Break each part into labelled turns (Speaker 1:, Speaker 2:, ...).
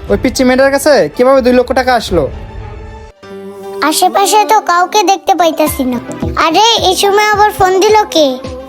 Speaker 1: ওই পিচ্চি মেয়েটার কাছে কিভাবে 2 লক্ষ টাকা আসলো?
Speaker 2: আশেপাশে তো কাউকে দেখতে পাইতাছি না। আরে এই সময় আবার ফোন দিল কে?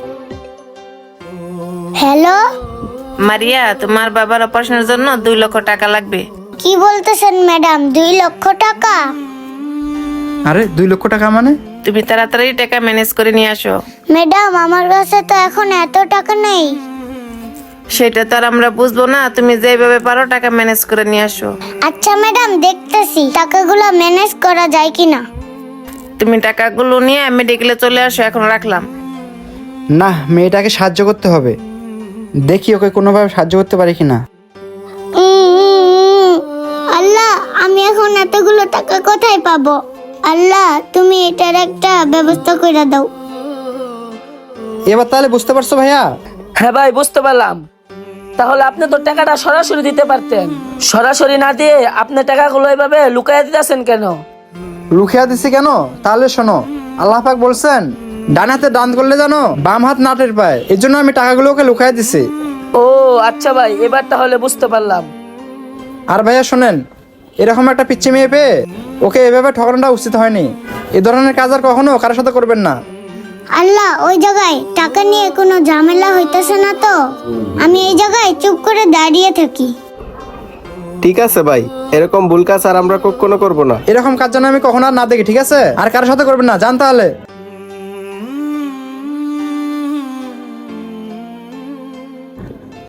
Speaker 2: হ্যালো,
Speaker 3: মারিয়া, তোমার বাবার অপারেশনের জন্য 2 লক্ষ টাকা লাগবে।
Speaker 2: কি বলতেছেন ম্যাডাম? 2 লক্ষ টাকা?
Speaker 1: আরে 2 লক্ষ টাকা মানে?
Speaker 3: তুমি তাড়াতাড়ি টাকা ম্যানেজ করে নিয়ে আসো।
Speaker 2: ম্যাডাম, আমার কাছে তো এখন এত টাকা নেই।
Speaker 3: সেটা তো আর আমরা বুঝবো না, তুমি যেভাবে পারো টাকা ম্যানেজ করে নিয়ে আসো।
Speaker 2: আচ্ছা ম্যাডাম, দেখতেছি টাকাগুলো ম্যানেজ করা যায় কিনা।
Speaker 3: তুমি টাকাগুলো নিয়ে মেডিকেলে চলে আসো, এখন রাখলাম।
Speaker 1: না, মেয়েটাকে সাহায্য করতে হবে। দেখি ওকে কোনোভাবে সাহায্য করতে পারি কিনা।
Speaker 2: আল্লাহ, আমি এখন এতগুলো টাকা কোথায় পাবো? আল্লাহ, তুমি এটার একটা ব্যবস্থা করে দাও।
Speaker 1: এবার তাহলে বুঝতে পারছো ভাইয়া?
Speaker 4: হ্যাঁ ভাই, বুঝতে পারলাম। তাহলে আপনি তো টাকাটা সরাসরি দিতে পারতেন। সরাসরি না দিয়ে আপনি টাকাগুলো এভাবে লুকাইয়া দিতেছেন কেন?
Speaker 1: লুকিয়ে দিছি কেন? তাহলে শোনো, আল্লাহ পাক বলছেন ডান হাতে দান করলে জানো বাম হাত না টের পায়। এই জন্য আমি টাকাগুলো ওকে লুকিয়ে দিছি।
Speaker 4: ও আচ্ছা ভাই, এবার তাহলে বুঝতে পারলাম।
Speaker 1: আর ভাইয়া শোনেন, এরকম একটা পিচ্চি মেয়ে পেয়ে ওকে এভাবে ঠকানোটা উচিত হয়নি। এ ধরনের কাজ আর কখনো কারোর সাথে করবেন না।
Speaker 2: আল্লাহ, ওই জায়গায় টাকা নিয়ে কোনো ঝামেলা হইতেছে না তো? আমি এই জায়গায় চুপ করে দাঁড়িয়ে থাকি।
Speaker 5: ঠিক আছে ভাই, এরকম ভুল কাজ আর আমরা কখনো করবো না।
Speaker 1: এরকম কাজ যেন আমি কখনো আর না দেখি, ঠিক আছে? আর কারোর সাথে করবেন না, জান তাহলে।